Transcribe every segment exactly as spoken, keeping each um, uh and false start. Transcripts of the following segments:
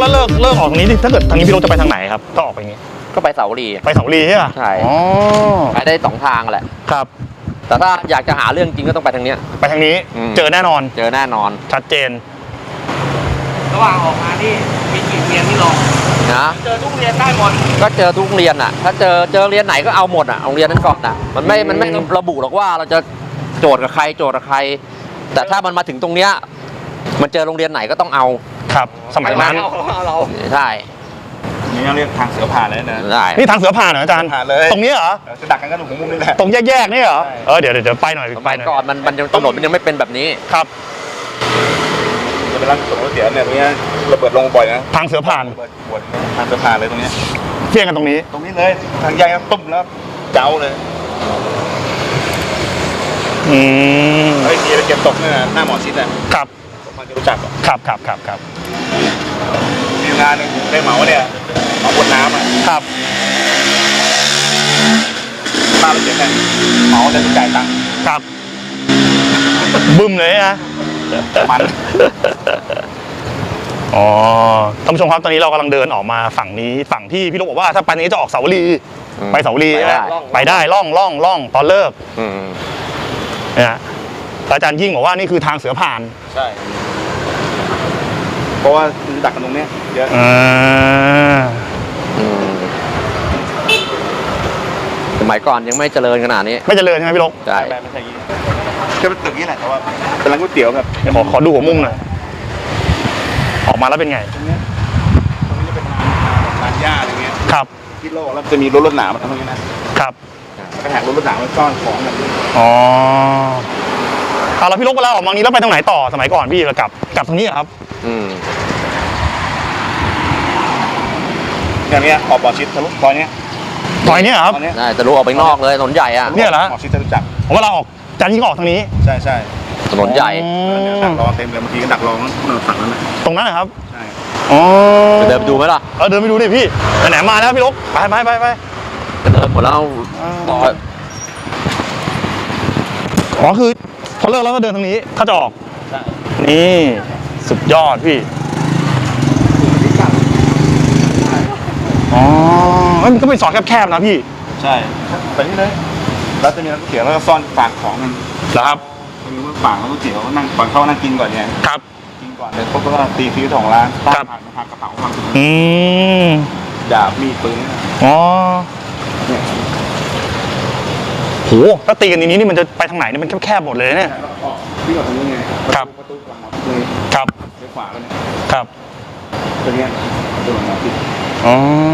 เลิกเลิกออกตรงนี้ถ้าเกิดทางนี้พี่รถจะไปทางไหนครับก็ออกไปอย่างนี้ก็ไปเสาวรีไปเสาวรีใช่ป่ะใช่อ๋อไปได้สองทางแหละครับแต่ถ้าอยากจะหาเรื่องจริงก็ต้องไปทางเนี้ยไปทางนี้เจอแน่นอนเจอแน่นอนชัดเจนระหว่างออกมานี่มีกี่เรียนที่ลงนะเจอทุกเรียนได้หมดก็เจอทุกเรียนอ่ะถ้าเจอเจอเรียนไหนก็เอาหมดอ่ะโรงเรียนนั้นก่อนอ่ะมันไม่มันไม่ระบุหรอกว่าเราจะโจทย์กับใครโจทย์กับใครแต่ถ้ามันมาถึงตรงเนี้ยมันเจอโรงเรียนไหนก็ต้องเอาครับสมัยนั้นเราใช่นี่เรียกทางเสือผ่านเลยนะได้นี่ทางเสือผ่านเหรออาจารย์ตรงนี้เหรอจะดักกันกันตรงมุมนี่แหละตรงแยกๆนี่เหรอเออเดี๋ยวเดี๋ยวไปหน่อยไปหน่อยก่อนมันมันถนนมันยังไม่เป็นแบบนี้ครับจะเป็นร้านส่งรถเสียเนี่ยตรงนี้ระเบิดลงบ่อยนะทางเสือผ่านทางเสือผ่านเลยตรงนี้เที่ยงกันตรงนี้ตรงนี้เลยทางใหญ่ตุ้มแล้วเจ้าเลยอืมไอ้ทีไปเก็บตกเนี่ยหน้าหมอชิดอ่ะครับมันจะรู้จักครับครับครับครับมีงานหนึ่งได้เหมาเนี่ยเหมาบนน้ำอ่ะครับป้าไปเก็บเนี่ยเหมาแต่ต้องจ่ายตังค์ครับบึ้มเลยนะมันอ๋อท่านผู้ชมครับตอนนี้เรากำลังเดินออกมาฝั่งนี้ฝั่งที่พี่ลูกบอกว่าถ้าไปนี้จะออกเสาวรีไปเสาวรีไปได้ล่องล่องล่องตอนเลิกเนี่ยอาจารย์ยิ่งบอกว่านี่คือทางเสือผ่านใช่เพราะว่าดักกันตรงนี้เยอะสมัยก่อนยังไม่เจริญขนาดนี้ไม่เจริญใช่ไหมพี่ลูกใช่ไม่ใช่ยี่ก็เป็นตึกนี้แหละแต่ว่าเป็นร้านก๋วยเตี๋ยวครับขอขอดูหัวมุมหน่อยออกมาแล้วเป็นไงตรงนี้ตรงนี้จะเป็นร้านหญ้าอะไรเงี้ยครับที่โลกแล้วจะมีรถรถหนามมาทำตรงนี้นะครับกระแทกรถรถหนามมาซ่อนของกันอ๋อเอาแล้วพี่ลูกเวลาออกมานี้แล้วไปตรงไหนต่อสมัยก่อนพี่กลับกลับตรงนี้ครับอืมอย่างนี้ออกบ่อชิดทะลุซอยนี้ซอยนี้ครับใช่ทะลุออกไปนอกเลยถนนใหญ่อ่ะเนี่ยเหรอบ่อชิดจะรู้จักผมว่าเราออกจันยิ่งออกทางนี้ใช่ใช่ถนนใหญ่ดักรอเต็มเลยบางทีก็ดักรอฝั่งนั้นตรงนั้นนะครับใช่อ๋อเดินไปดูไหมล่ะเออเดินไปดูดิพี่ไหนมาแล้วพี่ลูกไปไปไปไปเดินหมดแล้วต่ออ๋อคือพอเลิกแล้วก็เดินทางนี้ถ้าจะออกนี่สุดยอดพี่อ๋อมันก็เป็นซอยแคบๆนะพี่ใช่ไปนี่เลยแล้วจะมีร้านก๋วยเตี๋ยวแล้วก็ซ่อนฝากของกันเหรอครับมีว่าฝากแล้วก๋วยเตี๋ยวนั่งก่อนเข้านั่งกินก่อนไงครับกินก่อนเดี๋ยวพวกก็ตีฟิวของร้านตั้งผ่านผ่านกระเป๋าความสุขอืมดาบมีปืนอ๋อโหถ้าตีกันนี้นี่มันจะไปทางไหนนี่มันแคบๆหมดเลยเนี่ยพี่ออกทางนี้ไงครับประตูหลังเลยครับเลี้ยวขวาแล้วเนี่ยครับตัวนี้ประตูหลังเราพี่อ๋อ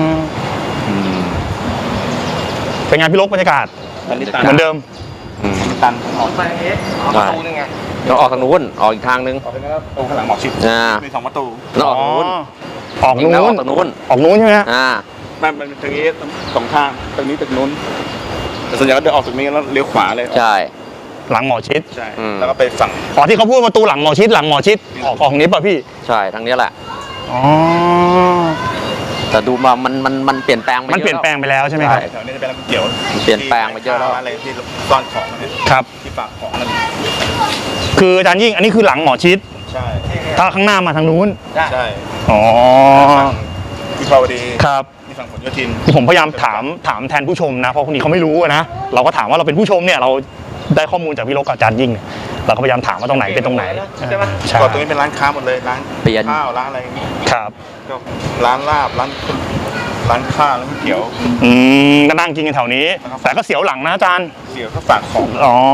เป็นไงพี่ลกบรรยากาศเหมือนเดิมตันออกไปเอ๊ะออกประตูนึงไงเราออกทางนู้นออกอีกทางนึงออกไปแล้วตรงข้างหลังหมอกชิดมีสองประตูเราออกทางนู้นออกนู้นออกทางนู้นออกนู้นใช่ไหมอ่ามันเป็นตรงนี้สองทางตรงนี้ตึกนู้นแต่ส่วนใหญ่ก็เดินออกตรงนี้แล้วเลี้ยวขวาเลยใช่หลังหมอชิดใช่แล้วก็ไปฝั่งอ๋อที่เขาพูดประตูหลังหมอชิดหลังหมอชิดออกออกนี้ป่ะพี่ใช่ทางนี้แหละอ๋อแต่ดูมามันมันมันเปลี่ยนแปลงไปเยอะมันเปลี่ยนแปลงไปแล้วใช่ไหมครับแถวนี้จะเป็นร้านก๋วยเตี๋ยวเปลี่ยนแปลงไปเยอะแล้วอะไรที่ซ่อนของครับที่ฝากของนั่นคืออาจารย์ยิ่งอันนี้คือหลังหมอชิดใช่ถ้าข้างหน้ามาทางนู้นใช่อ๋อที่ภาวดีครับที่ฝั่งผลโยธินที่ผมพยายามถามถามแทนผู้ชมนะเพราะคนนี้เขาไม่รู้นะเราก็ถามว่าเราเป็นผู้ชมเนี่ยเราได้ข้อมูลจากพี่ลกกับอาจารย์ยิ่งเราก็พยายามถามว่าตรงไหนเป็นตรงไหนใช่ไหมก่อนตรงนี้เป็นร้านค้าหมดเลยร้านข้าวร้านอะไรครับก็ร้านลาบร้านร้านข้าวร้านก๋วยเตี๋ยวอืมก็นั่งกินกันแถวนี้แต่ก็เสียวหลังนะอาจารย์เสียวก็ฝากของอ๋อ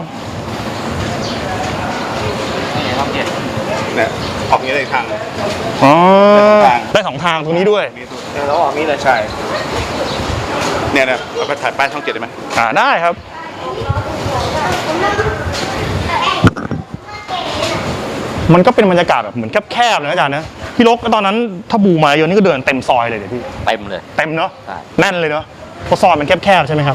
เนี่ยออกนี้ได้ทางเลยอ๋อได้สองทางตรงนี้ด้วยแล้วออกนี้เลยใช่เนี่ยเนี่ยเราไปถ่ายป้ายช่องเจ็ดได้ไหมอ่าได้ครับมันก็เป็นบรรยากาศแบบเหมือนแคบๆเลยอาจารย์นะพี่ลกตอนนั้นถ้าบูมาเยอะนี่ก็เดินเต็มซอยเลยเดี๋ยวพี่เต็มเลยเต็มเนาะแน่นเลยเนาะเพราะซอยมันแคบๆใช่ไหมครับ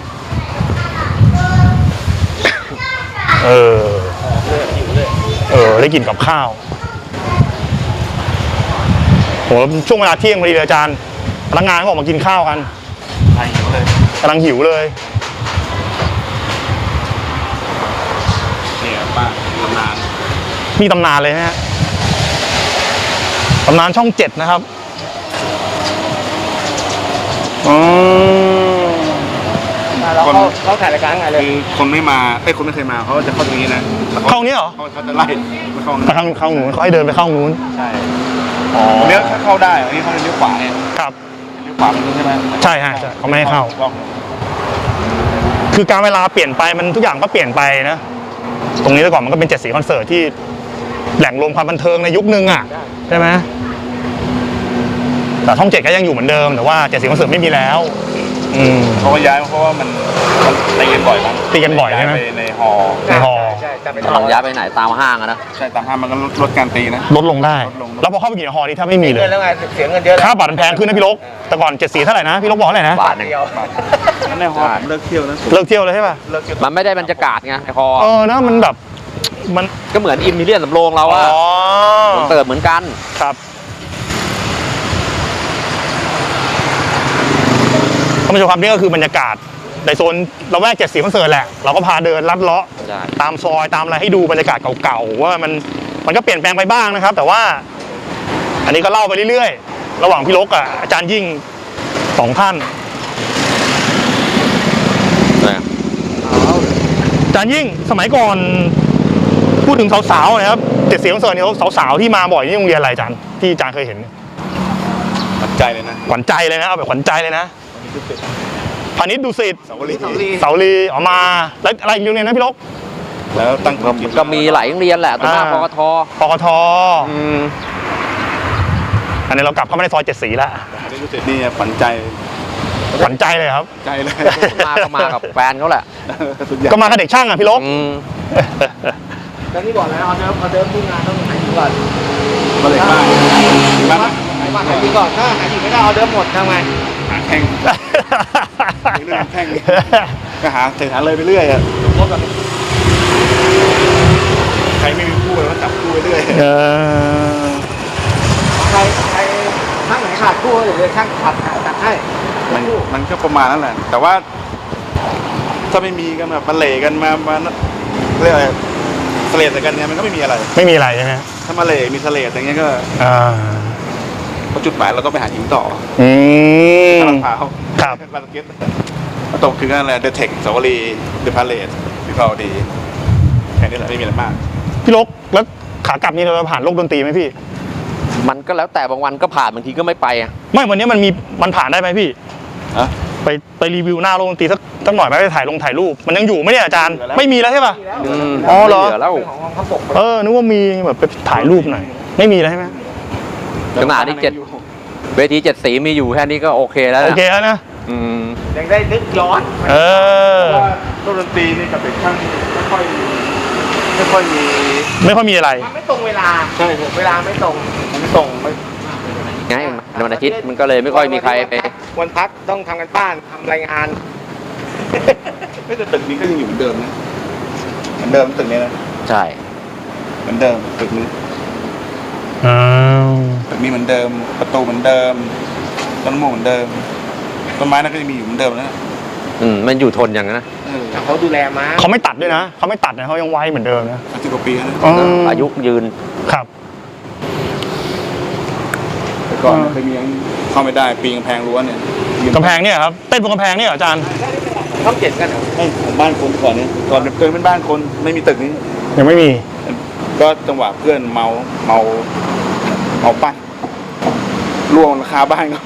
เออเออได้กินกับข้าวโหช่วงเวลาเที่ยงพอดีเลยอาจารย์พนักงานก็ออกมากินข้าวกันหิวเลยกำลังหิวเลยเนี่ยป้าตำนานมีตำนานเลยฮะตำนานช่องเจ็ดนะครับอ๋อเราเข้าเข้าถ่ายรายการไงเลยคือคนไม่มาไอ้ยคนไม่เคยมาเขาจะเข้าตรงนี้นะเข้านี้เหรอเขาเขาจะไล่ไม่เข้าไปข้างเข้านู้นเขาให้เดินไปเข้านู้นใช่อ๋อเลี้ยวเข้าได้อันนี้เขาเลี้ยวขวาเนี่ยครับเลี้ยวขวามันใช่ไหมใช่ฮะใช่เขาไม่ให้เข้า คือการเวลาเปลี่ยนไปมันทุกอย่างก็เปลี่ยนไปนะ ตรงนี้แต่ก่อนมันก็เป็นเจ็ดสีคอนเสิร์ตที่แหล่งรวมความบันเทิงในยุคนึงอ่ะใช่ไหมแต่ช่องเจ็ดก็ยังอยู่เหมือนเดิมแต่ว่าเจ็ดสีคอนเสิร์ตไม่มีแล้ว อืมเขาก็ย้ายเพราะว่ามันมันตีกันบ่อยมั้งตีกันบ่อยใช่ไหมาปในฮอในฮอใช่แต่เป็นกำลังย้ายไปไหนตามห้างอะนะใช่ตามห้างมันก็ลดลดการตีนะลดลงได้ลดลงแล้วพอเข้าไปกี่ฮอนี่ถ้าไม่มีเลเงิยนแล้วไงเสียเงินเยอะแล้วค่าบัตรมันแพงขึ้นนะพี่ลกแต่ก่อนเจ็ดสีเท่าไหร่นะพี่ลกบอกเท่าไหร่นะบาทหนึ่งเดียวนั่นในฮอผมเลิกเที่ยวนะเลิกเที่ยวเลยใช่ป่ะเลิกเที่ยวมันไม่ได้บรรยากาศไงไอคอเออนะมันแบบมันก็เหมือนอิมพีเรียนสำโรงเราอ๋อะอเติร์เหมือนกันครับท่านผู้ชมครับนี่ก็คือบรรยากาศในโซนเราแวกเจ็ดสีคอนเสิร์ตแหละเราก็พาเดินลัดเลาะใช่ตามซอยตามอะไรให้ดูบรรยากาศเก่าๆว่ามันมันก็เปลี่ยนแปลงไปบ้างนะครับ แต่ว่า อันนี้ก็เล่าไปเรื่อยๆระหว่างพี่ลกกับอาจารย์ยิ่งสองท่านอาจารย์ยิ่งสมัยก่อนพูดถึงสาวๆนะครับเจ็ดสีคอนเสิร์ตเนี่ยสาวๆที่มาบ่อยนี่โรงเรียนอะไรอาจารย์ที่อาจารย์เคยเห็นตัดใจเลยนะขวัญใจเลยนะเอาแบบขวัญใจเลยนะพาณิชย์ดุสิตสาวรีเสาลีออกมาแล้วอะไรอีกโรงเรียนนะพี่ลกแล้วตั้งก็ก็มีหลายโรงเรียนแหละตัวหน้าอ่าปกทปกทอืมอันนี้เรากลับเข้ามาในซอยเจ็ดสีแล้วนี่รู้สึกนี่ฝันใจขวัญใจเลยครับใจเลยมาก็มากับแฟนเขาแหละสุดยอดก็มากับเด็กช่างอ่ะพี่ลกอืมแล้วนี่บอกแล้วออเดิร์ฟออเดิร์ฟที่งานต้องหายดีก่อนมาเลยบ้างบ้างหายบ้านหายดีก่อนถ้าหายดีไม่ได้ออเดิร์ฟหมดทำไงหาแข่งเรื่องแข่งก็หาเสหาเลยไปเรื่อยอะรถแบบใครไม่มีคู่ก็จับคู่ไปเรื่อยเออใครใครช่างไหนขาดคู่เดี๋ยวเลยช่างขัดตัดให้มันมันก็ประมาณนั้นแหละ แต่ว่า ถ้าไม่มีกันแบบมาเหล่กันมามาเรียกอะไรเสลดใส่กันเนี่ยมันก็ไม่มีอะไรไม่มีอะไรใช่ไหมถ้ามาเหล่มีเสลดอย่างเงี้ยก็อ่าพอจุดหมายเราต้องไปหาหญิงต่ออืมลาดพร้าวครับลาดเก็ตมาตกคือกันอะไรเดอะเทคสาวรีเดอะพาเลสวิภาวดีแค่นี้แหละไม่มีอะไรมากพี่ลกแล้วขากลับนี่เราผ่านโลกดนตรีไหมพี่มันก็แล้วแต่บางวันก็ผ่านบางทีก็ไม่ไปอะไม่วันนี้มันมีมันผ่านได้ไหมพี่อะไปไปรีวิวหน้าโลกดนตรีสักสักหน่อยไหมไปถ่ายลงถ่ายรูปมันยังอยู่ไหมเนี่ยอาจารย์ไม่มีแล้วใช่ป่ะอืมอ๋อเหรอไม่ลืแล้วเป็นของกองทัพบกเออนึกว่ามีแบบไปถ่ายรูปหน่อยไม่มีแล้วใช่ไหมขนาดนี้เจ็ด เวทีเจ็ดสีมีอยู่แค่นี้ก็โอเคแล้วนะโอเคแล้วนะอืมยังได้นึกย้อนเออเพราะว่าโลกดนตรีนี่กับเด็กช่างไม่ค่อยไม่ค่อยมีไม่ค่อยมีอะไรมันไม่ตรงเวลาใช่ครับเวลาไม่ตรงมันไม่ตรงไม่ไงในวันอาทิตย์มันก็เลยไม่ค่อยมีใครไปวันพักต้องทำกันบ้านทำรายงานไม่แต่ตึกนี้ก็ยังอยู่เหมือนเดิมนะเหมือนเดิมตึกนี้นะใช่เหมือนเดิมตึกนี้อ้าวตึกนี้เหมือนเดิม ประตูเหมือนเดิมต้นมะม่วงเหมือนเดิมต้นไม้นั่นก็ยังมีอยู่เหมือนเดิมนะอืมมันอยู่ทนอย่างนั้นนะเออเขาดูแลม้าเขาไม่ตัดด้วยนะเขาไม่ตัดนะเขายังไว้เหมือนเดิมนะสามสิบกว่าปีแล้วนะอ๋ออายุยืนครับแต่ก่อนเคยมียังเข้าไม่ได้ปีนกำแพงรั้วเนี่ยกำแพงเนี่ยครับเต้นบนกำแพงเนี่ยเหรออาจารย์ต้องเจ็ดกันเหรอไม่ของบ้านคนก่อนเนี่ยก่อนเคยเป็นบ้านคนไม่มีตึกนี้ยังไม่มีก็จังหวะเพื่อนเมาเมาเมาปั้นล่วงราคาบ้านเขา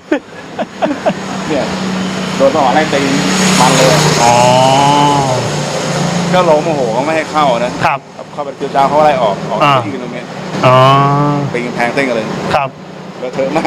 เนี่ยโดนต่อไล่ตีมันเลยอ๋อก็ล้มโมโหเขาไม่ให้เข้านะครับ เข้าไปเจียวจ้าวเขาไล่ออกออกอ่าที่ตรงเนี้ยอ๋อปีนกำแพงเต้นกันเลยครับเลอะเทอะมาก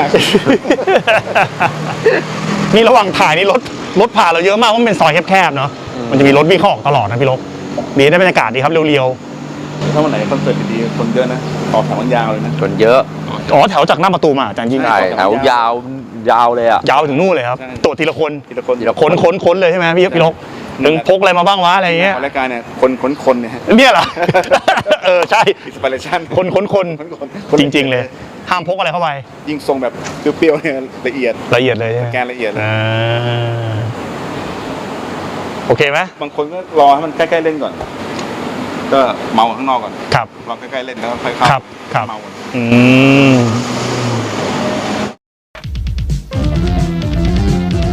นี่ระหว่างถ่ายนี่รถรถผ่านเราเยอะมากเพราะมันเป็นซอยแคบๆเนาะมันจะมีรถวิ่งเข้าออกตลอดนะพี่ลกดีได้บรรยากาศดีครับเรียวถ้าวันไหนคอนเสิร์ตดีๆคนเยอะนะออกแถวมันยาวเลยนะคนเยอะๆอ๋อแถวจากหน้าประตูมาอาจารย์ยิ่งใช่แถวยาวยาวเลยอ่ะยาวไปถึงนู่นเลยครับตัวทีละคนทีละคนทีละค้นค้นค้นเลยใช่ไหมพี่พี่ลกหนึ่งพกอะไรมาบ้างวะอะไรอย่างเงี้ยรายการเนี่ยคนคนคนเนี่ยเนี่ยเหรอ เออใช่อินสปิเรชั่นคนค้นคนคนคนจริง ๆ เลย ห้ามพกอะไรเข้าไปยิ่งทรงแบบเปรี้ยวๆเนี่ยละเอียดละเอียดเลยใช่ไหมแกนละเอียดเลยอ่าโอเคไหมบางคนก็รอให้มันใกล้ๆเล่นก่อน ก็เมาข้างนอกก่อนครับรอใกล้ๆเล่นแล้วค่อยเข้าครับครับเมาก่อนอืม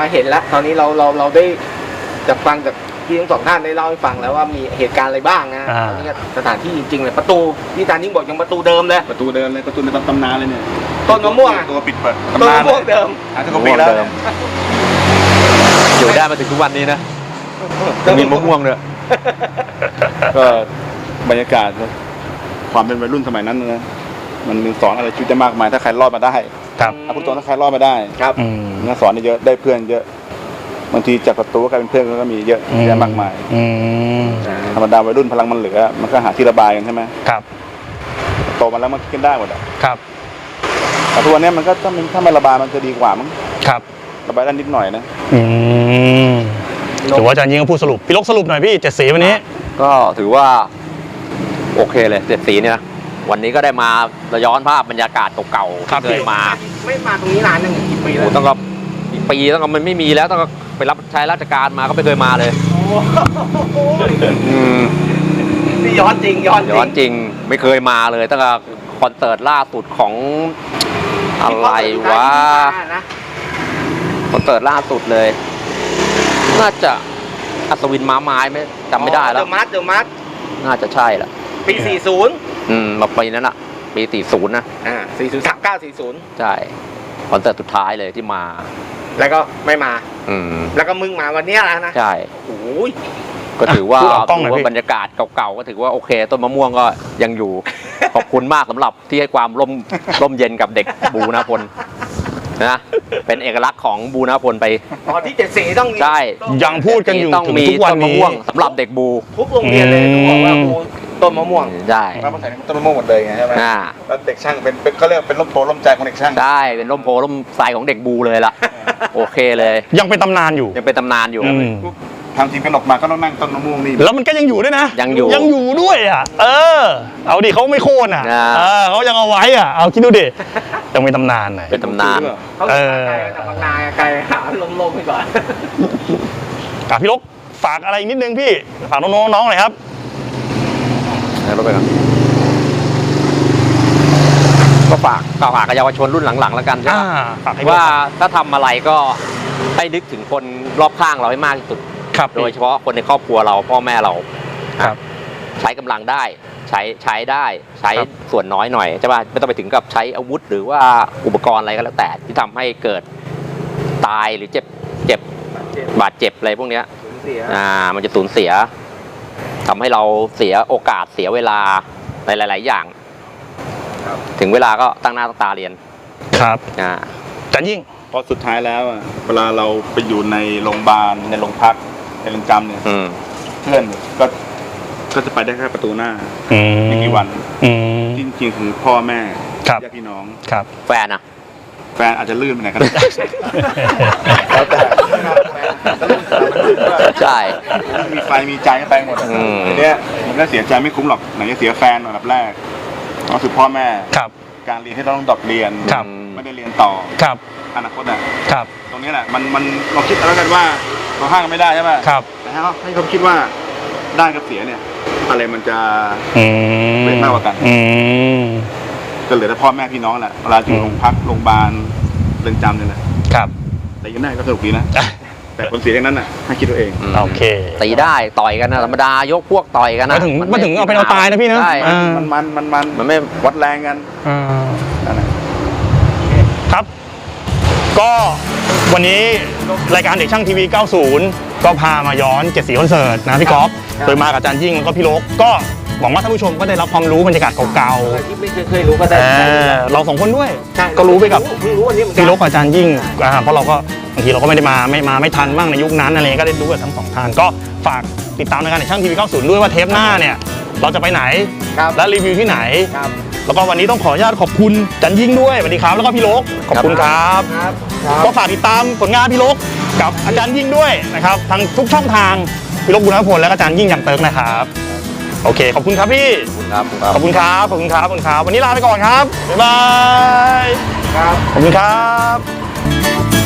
เห็นแล้วตอนนี้เราเราเราได้จากฟังจากพี่ทั้งสองท่านได้เล่าให้ฟังแล้วว่ามีเหตุการณ์อะไรบ้างนะอ่าตอนนี้ก็สถานที่จริงๆเลยประตูที่อาจารย์ยิ่งบอกยังประตูเดิมเลยประตูเดินเลยประตูในตำนานเลยเนี่ยต้นมะม่วงอะตัวปิดเปิดต้นตำนานมะม่วงเดิมอาจจะกว่าปีแล้วเนี่ยอยู่ได้มาถึงทุกวันนี้นะมีมะม่วงด้วยก็บรรยากาศความเป็นวัยรุ่นสมัยนั้นนะมันสอนอะไรชีวิตได้มากมายถ้าใครรอดมาได้ครับเอาพูดตรงถ้าใครรอดมาได้ครับอืมมันสอนได้เยอะได้เพื่อนเยอะบางทีจากประตูก็กลายเป็นเพื่อนก็มีเยอะแยะมากมายอืมธรรมดาวัยรุ่นพลังมันเหลือมันก็หาที่ระบายกันใช่ไหมครับโตมาแล้วมันคิดกันได้หมดอะครับแต่ทุกวันนี้มันก็ถ้ามันถ้ามันระบายมันจะดีกว่ามั้งครับระบายได้นิดหน่อยนะอืมถือว่าอาจารย์ยิ่งก็พูดสรุปพี่ลกสรุปหน่อยพี่เจ็ดสีวันนี้ก็ถือว่าโอเคเลยเจ็ดสีเนี่ยนะวันนี้ก็ได้มาย้อนภาพบรรยากาศเก่าๆครับที่เคยมาไม่มาตรงนี้นานหนึ่งกี่ปีโอ้แล้วโหต้องก็อีกปีต้องก็มันไม่มีแล้วต้องก็ไปรับใช้ราชการมาก็ไม่เคยมาเลยโอ้โหอืมนี่ย้อนจริงย้อนจริงย้อนจริงไม่เคยมาเลยตั้งแต่คอนเสิร์ตล่าสุดของอะไรวะนะคอนเสิร์ตล่าสุดเลย น่าจะอัศวินม้าไม้ไม่จำไม่ได้แล้วเดอะมัสเดอะมัสน่าจะใช่แหละปีสี่สิบอืมมาปีนั้นอะปีสี่ศูนย์นะอ่าสี่สิบสามเก้าสี่สิบใช่คอนเสิร์ตสุดท้ายเลยที่มาแล้วก็ไม่มาอืมแล้วก็มึงมาวันเนี้ยแล้วนะใช่โอ้ยก็ถือว่าพูดออกกล้องหน่อยถือพี่ว่าบรรยากาศเก่าๆก็ถือว่าโอเค ต้นมะม่วงก็ยังอยู่ ขอบคุณมากสำหรับที่ให้ความร่มร่มเย็นกับเด็กบูนาพลนะเป็นเอกลักษณ์ของบูนาพลไปอ๋อที่เจ็ดสีต้องมีใช่ต้องยังพูดกันอยู่ต้องถึงมีทุกวันต้นมะนี้ม่วงสำหรับเด็กบูทุกโรงเรียนเลยต้องบอกว่าโอ้ต้นมะม่วงใช่มาใส่ต้นมะม่วงหมดเลยไงใช่ไหมอ่าแล้วเด็กช่างเป็นเป็นเขาเรียกเป็นร่มโพล่มใจของเด็กช่างใช่เป็นร่มโพล่มไทรของเด็กบูเลยล่ะ โอเคเลยยังเป็นตำนานอยู่ยังเป็นตำนานอยู่อืมทำทีมกันออกมาก็ต้องนั่งต้นมะม่วงนี่แล้วมันก็ยังอยู่ด้วยนะยังอยู่ยังอยู่ด้วยอ่ะ เออ เอาดิเขาไม่โค่นอ่ะอ่าเออเขายังเอาไว้อ่ะ เอาคิดดูดิ ยังเป็นตำนานหน่อยเป็นตำนานเขาเออไกลจากบางนาไกลหาลมๆไปก่อนอ่ะพี่ลกฝากอะไรอีกนิดนึงพี่ ฝากน้องๆน้องๆหน่อยครับให้รถไปก่อนก็ฝากก็ฝากกับเยาวชนรุ่นหลังๆแล้วกันใช่อ่าไหมฝากให้พี่ว่าถ้าทำอะไรก็ให้นึกถึงคนรอบข้างเราให้มากที่สุดครับโดยเฉพาะคนในครอบครัวเราพ่อแม่เราครับใช้กำลังได้ใช้ใช้ได้ใช้ครับส่วนน้อยหน่อยใช่ป่ะไม่ต้องไปถึงกับใช้อาวุธ หรือว่าอุปกรณ์อะไรก็แล้วแต่ที่ทำให้เกิดตายหรือเจ็บเจ็บบาดเจ็บอะไรพวกเนี้ยเสียอ่ามันจะสูญเสียทำให้เราเสียโอกาสเสียเวลาในหลาย ๆ อย่าง ถึงเวลาก็ตั้งหน้าตั้งตาเรียนครับอ่าอาจารย์ยิ่งเพราะสุดท้ายแล้วอะเวลาเราไปอยู่ในโรงพยาบาลในโรงพักในเรือนจำเนี่ยอืมเพื่อนก็ก็จะไปได้แค่ประตูหน้าอืมไม่กี่วันอืมจริงๆคือพ่อแม่ครับญาติพี่น้องครับแฟนอะแฟนอาจจะลื่นไปไหนก็ได้ แล้วแต่ใช่มีไฟมีใจก็ไปหมดอืมทีเนี้ยมันก็เสียใจไม่คุ้มหรอกไหนจะเสียแฟนอันดับแรกก็คือพ่อแม่ครับการเรียนที่เราต้องดรอปเรียนครับไม่ได้เรียนต่อครับอนาคตอ่ะครับตรงนี้แหละมันมันเราคิดแล้วกันว่าเราห้างกันไม่ได้ใช่ไหมครับแต่ให้เขาให้เขาคิดว่าได้กับเสียเนี่ย อะไรมันจะอืมเป็นมากกว่ากันอืมก็เหลือแต่พ่อแม่พี่น้องแหละเวลาอยู่โรงพักโรงพยาบาลเรือนจำเนี่ยแหละครับแต่ยังได้ก็สนุกดีนะ แต่ผลเสียอย่างนั้นน่ะให้คิดตัวเองอืมโอเคตีได้ต่อยกันนะธรรมดายกพวกต่อยกันนะมาถึงนมาถึงเอาเป็นเอาตายนะพี่นะใช่อ่ามันมันมันมันมันไม่วัดแรงกันอ่านั่นแหละครับ ก็วันนี้รายการเด็กช่างทีวี เก้าสิบ ก็พามาย้อนเจ็ดสีคอนเสิร์ตนะพี่ก๊อฟโดยมากับอาจารย์ยิ่งแล้วก็พี่ลกก็หวังว่าท่านผู้ชมก็ได้รับความรู้บรรยากาศเก่าที่ไม่เคยเคยรู้ก็ๆได้เออเราสองคนด้วยใช่ก็รู้ไปกับเพิ่งรู้วันนี้เหมือนกัพี่ลกกับอาจารย์ยิ่งอ่าเพราะเราก็บางทีเราก็ไม่ได้มาไม่มาไม่ทันบ้างในยุคนั้นอะไรเงี้ยก็ได้รู้กับทั้งสองท่านก็ฝากติดตามรายการเด็กช่างทีวี เก้าสิบ ด้วยว่าเทปหน้าเนี่ยเราจะไปไหนครับและรีวิวที่ไหนครับแล้วก็วันนี้ต้องขออนุญาตขอบคุณอาจารย์ยิ่งด้วยสวัสดีครับแล้วก็พี่ลกขอบคุณครับครับครับก็ฝากติดตามผลงานพี่ลกกับอาจารย์ยิ่งด้วยนะครับทางทุกช่องทางพี่ลกบุญพลและอาจารย์ยิ่งอย่างเติร์กนะครับโอเคขอบคุณครับพี่ครับขอบคุณครับขอบคุณครับขอบคุณครับวันนี้ลาไปก่อนครับบ๊ายบายครับขอบคุณครับ